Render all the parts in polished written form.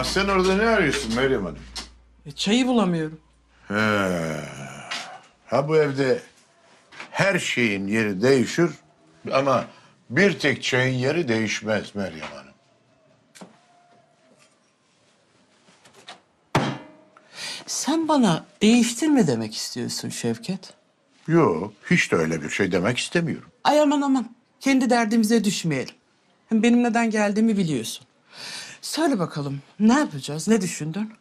Sen orada ne arıyorsun Meryem Hanım? Çayı bulamıyorum. Ha bu evde her şeyin yeri değişir ama bir tek çayın yeri değişmez Meryem Hanım. Sen bana değiştirme demek istiyorsun Şevket. Yok, hiç de öyle bir şey demek istemiyorum. Ay aman. Kendi derdimize düşmeyelim. Hem benim neden geldiğimi biliyorsun. Söyle bakalım ne yapacağız? Ne düşündün?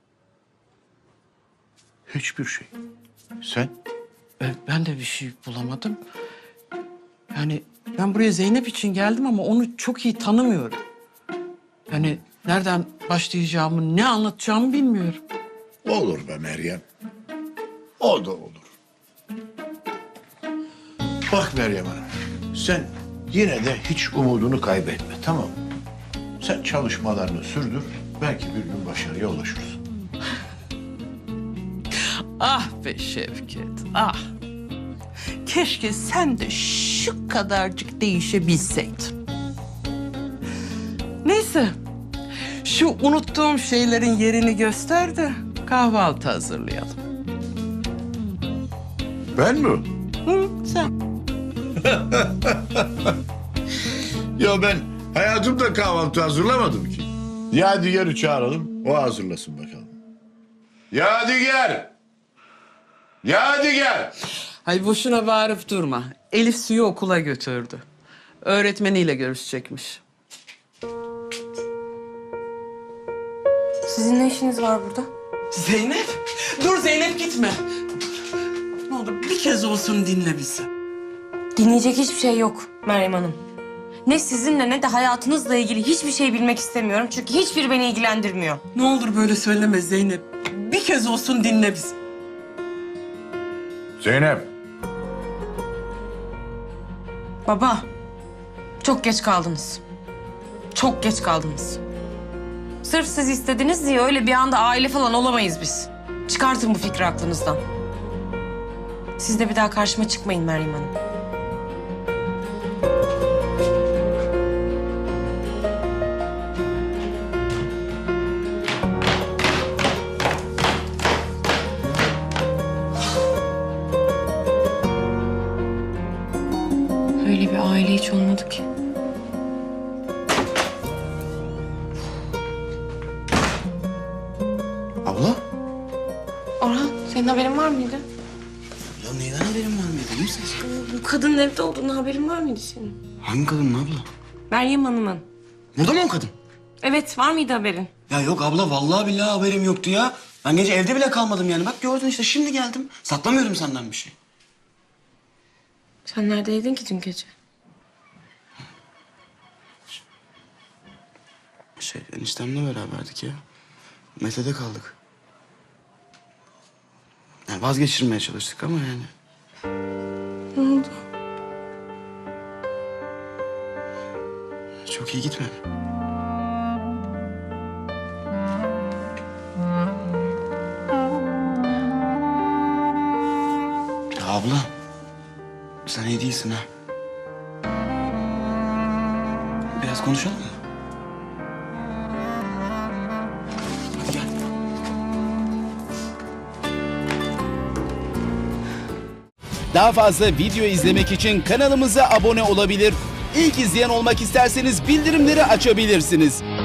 Hiçbir şey. Sen? Ben de bir şey bulamadım. Yani ben buraya Zeynep için geldim ama onu çok iyi tanımıyorum. Yani nereden başlayacağımı, ne anlatacağımı bilmiyorum. Olur be Meryem. O da olur. Bak Meryem Hanım, sen yine de hiç umudunu kaybetme, tamam mı? Sen çalışmalarını sürdür, belki bir gün başarıya ulaşırsın. Ah be Şevket, ah. Keşke sen de şu kadarcık değişebilseydin. Neyse, şu unuttuğum şeylerin yerini göster de kahvaltı hazırlayalım. Ben mi? Hı, sen. Ya ben hayatımda kahvaltı hazırlamadım ki. Yadigar'ı çağıralım, o hazırlasın bakalım. Yadigar! Yadigar! Ay boşuna bağırıp durma. Elif Su'yu okula götürdü. Öğretmeniyle görüşecekmiş. Sizin ne işiniz var burada? Zeynep! Dur Zeynep gitme. Ne olur bir kez olsun dinle bizi. Dinleyecek hiçbir şey yok Meryem Hanım. Ne sizinle ne de hayatınızla ilgili hiçbir şey bilmek istemiyorum. Çünkü hiçbiri beni ilgilendirmiyor. Ne olur böyle söyleme Zeynep. Bir kez olsun dinle bizi. Zeynep! Baba, çok geç kaldınız. Çok geç kaldınız. Sırf siz istediniz diye öyle bir anda aile falan olamayız biz. Çıkartın bu fikri aklınızdan. Siz de bir daha karşıma çıkmayın Meryem Hanım. Öyle bir aile hiç olmadı ki. Abla? Orhan, senin haberin var mıydı? Ya neyden haberin var mıydı? İyi misin sen? Bu kadının evde olduğunu haberin var mıydı senin? Hangi kadın abla? Meryem Hanım'ın. Burada mı o kadın? Evet, var mıydı haberin? Ya yok abla vallahi billahi haberim yoktu ya. Ben gece evde bile kalmadım yani. Bak gördün işte şimdi geldim. Saklamıyorum senden bir şey. Sen neredeydin ki dün gece? Eniştemle beraberdik ya. Mete'de kaldık. Yani vazgeçirmeye çalıştık ama yani. Ne oldu? Çok iyi gitmedi. Ya abla. Sen iyi değilsin ha. Biraz konuşalım mı? Hadi gel. Daha fazla video izlemek için kanalımıza abone olabilir. İlk izleyen olmak isterseniz bildirimleri açabilirsiniz.